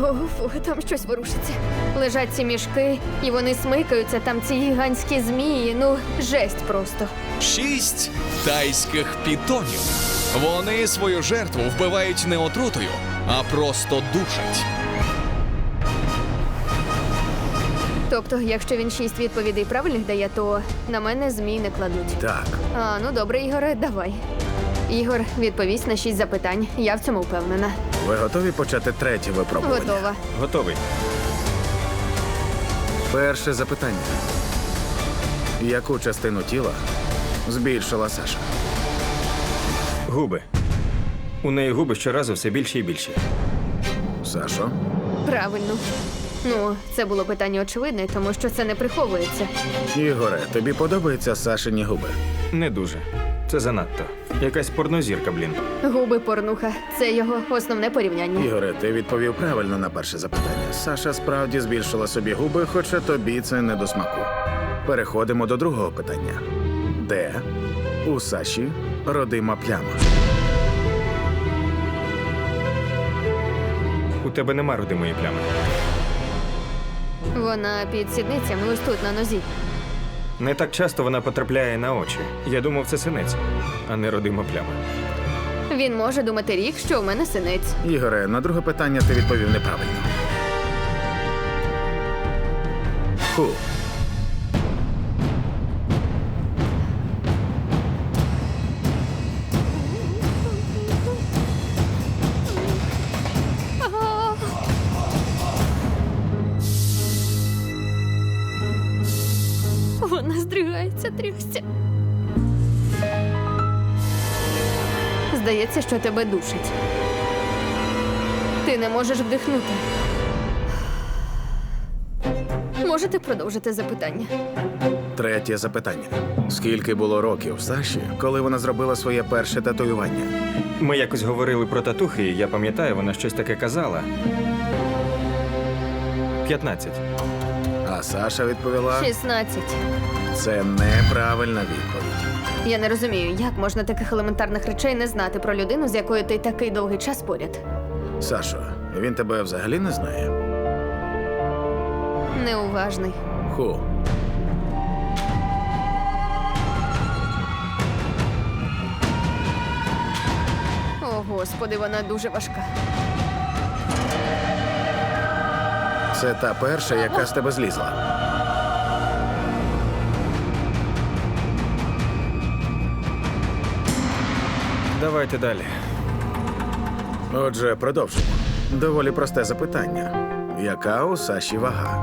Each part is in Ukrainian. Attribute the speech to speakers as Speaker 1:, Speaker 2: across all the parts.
Speaker 1: Фу, там щось ворушиться. Лежать ці мішки, і вони смикаються, там ці гігантські змії. Ну, жесть просто.
Speaker 2: 6 тайських пітонів. Вони свою жертву вбивають не отрутою, а просто душать.
Speaker 1: Тобто, якщо він 6 відповідей правильних дає, то на мене змій не кладуть.
Speaker 3: Так.
Speaker 1: А, ну добре, Ігоре, давай. Ігор відповість на 6 запитань. Я в цьому впевнена.
Speaker 3: Ви готові почати третє випробування?
Speaker 1: Готова.
Speaker 4: Готовий.
Speaker 3: Перше запитання. Яку частину тіла збільшила Саша?
Speaker 4: Губи. У неї губи щоразу все більше і більше.
Speaker 3: Сашо?
Speaker 1: Правильно. Ну, це було питання очевидне, тому що це не приховується.
Speaker 3: Ігоре, тобі подобаються Сашині губи?
Speaker 4: Не дуже. Це занадто. Якась порнозірка, блін.
Speaker 1: Губи порнуха. Це його основне порівняння.
Speaker 3: Ігоре, ти відповів правильно на перше запитання. Саша справді збільшила собі губи, хоча тобі це не до смаку. Переходимо до другого питання. Де у Саші родима пляма?
Speaker 4: У тебе нема родимої плями.
Speaker 1: Вона під сідницями, ось тут, на нозі.
Speaker 4: Не так часто вона потрапляє на очі. Я думав, це синець, а не родима пляма.
Speaker 1: Він може думати рік, що в мене синець.
Speaker 3: Ігоре, на друге питання ти відповів неправильно. Ху.
Speaker 1: Вона здригається, трясся. Здається, що тебе душить. Ти не можеш вдихнути. Можете продовжити запитання?
Speaker 3: Третє запитання. Скільки було років Саші, коли вона зробила своє перше татуювання?
Speaker 4: Ми якось говорили про татухи, і я пам'ятаю, вона щось таке казала. 15.
Speaker 3: А Саша відповіла,
Speaker 1: 16.
Speaker 3: це неправильна відповідь.
Speaker 1: Я не розумію, як можна таких елементарних речей не знати про людину, з якою ти такий довгий час поряд.
Speaker 3: Сашо, він тебе взагалі не знає?
Speaker 1: Неуважний.
Speaker 3: Ху.
Speaker 1: О, Господи, вона дуже важка.
Speaker 3: Це та перша, яка з тебе злізла.
Speaker 4: Давайте далі.
Speaker 3: Отже, продовжимо. Доволі просте запитання. Яка у Саші вага?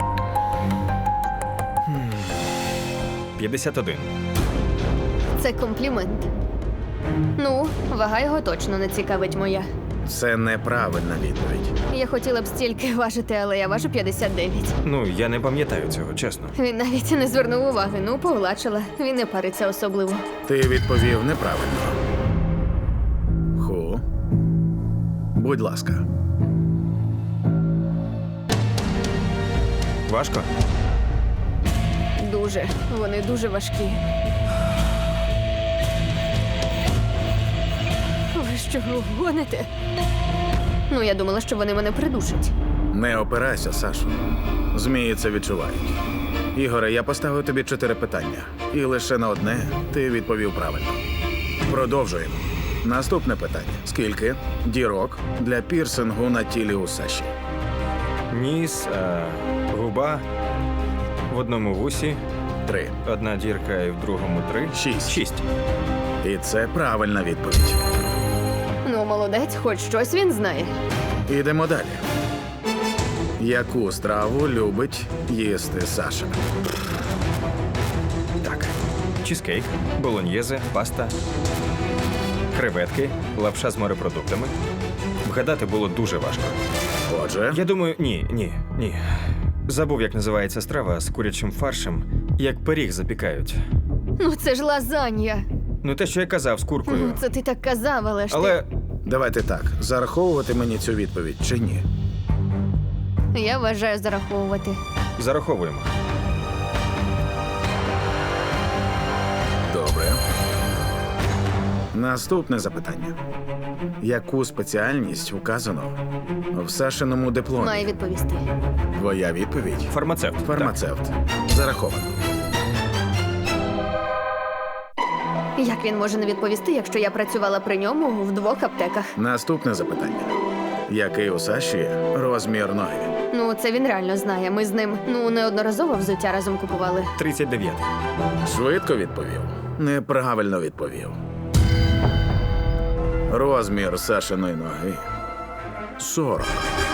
Speaker 4: 51.
Speaker 1: Це комплімент. Ну, вага його точно не цікавить моя.
Speaker 3: Це неправильна відповідь.
Speaker 1: Я хотіла б стільки важити, але я важу 59.
Speaker 4: Ну, я не пам'ятаю цього, чесно.
Speaker 1: Він навіть не звернув уваги. Ну, погладшила. Він не париться особливо.
Speaker 3: Ти відповів неправильно. Ху. Будь ласка.
Speaker 4: Важко?
Speaker 1: Дуже. Вони дуже важкі. Ви що, гоните? Ну, я думала, що вони мене придушать.
Speaker 3: Не опирайся, Сашо. Змії це відчувають. Ігоре, я поставив тобі 4 питання. І лише на одне ти відповів правильно. Продовжуємо. Наступне питання. Скільки дірок для пірсингу на тілі у Саші?
Speaker 4: Ніс, губа, в одному вусі,
Speaker 3: 3.
Speaker 4: одна дірка і в другому 3.
Speaker 3: 6.
Speaker 4: 6.
Speaker 3: І це правильна відповідь.
Speaker 1: Ну, молодець, хоч щось він знає.
Speaker 3: Ідемо далі. Яку страву любить їсти Саша?
Speaker 4: Так. Чізкейк, болоньєзе, паста, креветки, лапша з морепродуктами. Вгадати було дуже важко.
Speaker 3: Отже,
Speaker 4: Я думаю, ні. Забув, як називається страва з курячим фаршем, як пиріг запікають.
Speaker 1: Ну, це ж лазанья.
Speaker 4: Ну, те, що я казав з куркою.
Speaker 1: Ну, це ти так казав, але ж
Speaker 4: Але
Speaker 3: давайте так. Зараховувати мені цю відповідь чи ні?
Speaker 1: я вважаю зараховувати.
Speaker 4: зараховуємо.
Speaker 3: Добре. Наступне запитання. Яку спеціальність указано в Сашиному дипломі?
Speaker 1: Має відповісти.
Speaker 3: Твоя відповідь?
Speaker 4: Фармацевт.
Speaker 3: Фармацевт. Зараховано.
Speaker 1: Як він може не відповісти, якщо я працювала при ньому в 2 аптеках?
Speaker 3: Наступне запитання. Який у Саші розмір ноги?
Speaker 1: Ну, це він реально знає. Ми з ним неодноразово взуття разом купували.
Speaker 4: Так. 39.
Speaker 3: Швидко відповів. Неправильно відповів. Розмір Сашиної ноги 40.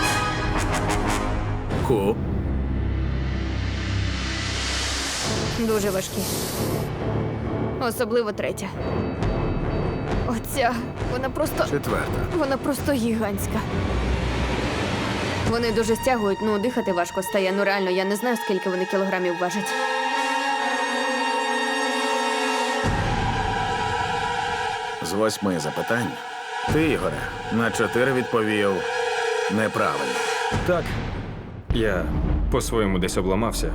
Speaker 3: Ку.
Speaker 1: Дуже важкі. Особливо 3. Оця, вона просто гігантська. Вони дуже стягують, дихати важко стає. Реально, я не знаю, скільки вони кілограмів важать.
Speaker 3: З 8 запитань ти, Ігоре, на 4 відповів неправильно.
Speaker 4: Так. Я по-своєму десь обламався.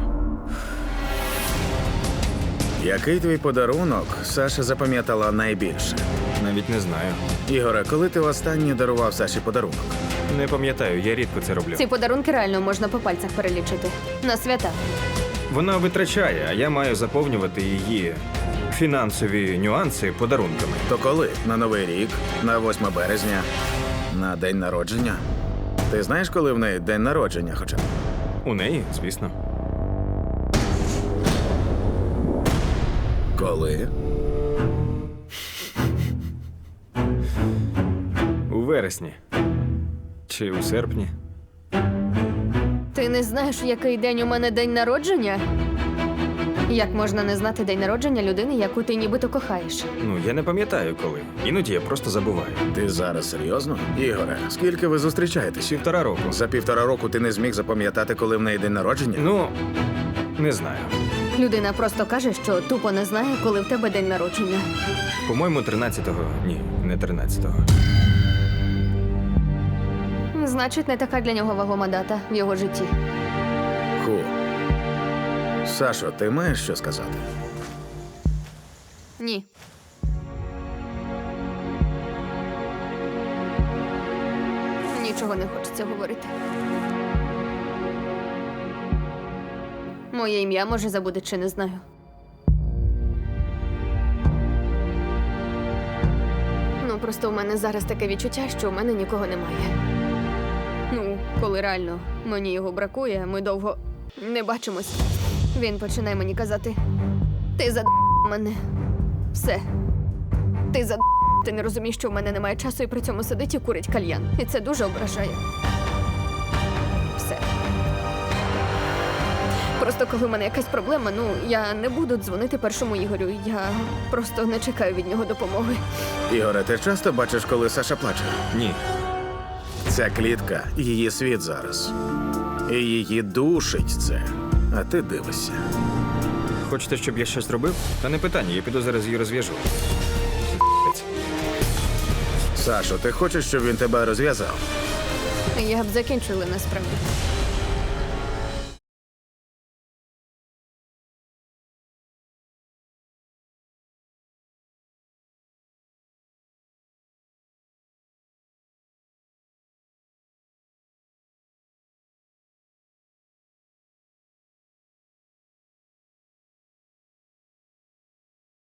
Speaker 3: Який твій подарунок Саша запам'ятала найбільше?
Speaker 4: Навіть не знаю.
Speaker 3: Ігоре, коли ти востаннє дарував Саші подарунок?
Speaker 4: Не пам'ятаю, я рідко це роблю.
Speaker 1: Ці подарунки реально можна по пальцях перелічити. На свята.
Speaker 4: Вона витрачає, а я маю заповнювати її фінансові нюанси подарунками.
Speaker 3: То коли? На Новий рік, на 8 березня, на день народження? Ти знаєш, коли в неї день народження хоча б?
Speaker 4: У неї, звісно.
Speaker 3: Коли?
Speaker 4: У вересні. Чи у серпні.
Speaker 1: Ти не знаєш, який день у мене день народження? Як можна не знати день народження людини, яку ти нібито кохаєш?
Speaker 4: Ну, я не пам'ятаю коли. Іноді я просто забуваю.
Speaker 3: Ти зараз серйозно? Ігоре, скільки ви зустрічаєтесь?
Speaker 4: 1,5 року.
Speaker 3: За 1,5 року ти не зміг запам'ятати, коли в неї день народження?
Speaker 4: Ну, не знаю.
Speaker 1: Людина просто каже, що тупо не знає, коли в тебе день народження.
Speaker 4: По-моєму, 13-го. Ні, не 13-го.
Speaker 1: Значить, не така для нього вагома дата в його житті.
Speaker 3: Ху. Сашо, ти маєш що сказати?
Speaker 1: Ні. Нічого не хочеться говорити. Моє ім'я, може, забуде, чи не знаю. Просто у мене зараз таке відчуття, що у мене нікого немає. Коли реально мені його бракує, ми довго не бачимось. Він починає мені казати: ти мене. Все. Ти ти не розумієш, що в мене немає часу, і при цьому сидить і курить кальян. І це дуже ображає. Все. Просто коли в мене якась проблема, я не буду дзвонити першому Ігорю. Я просто не чекаю від нього допомоги.
Speaker 3: Ігоре, ти часто бачиш, коли Саша плаче?
Speaker 4: Ні.
Speaker 3: Ця клітка – її світ зараз. І її душить це. А ти дивишся.
Speaker 4: Хочете, щоб я щось робив? Та не питання, я піду зараз її розв'яжу.
Speaker 3: Сашо, ти хочеш, щоб він тебе розв'язав?
Speaker 1: Я б закінчила насправді.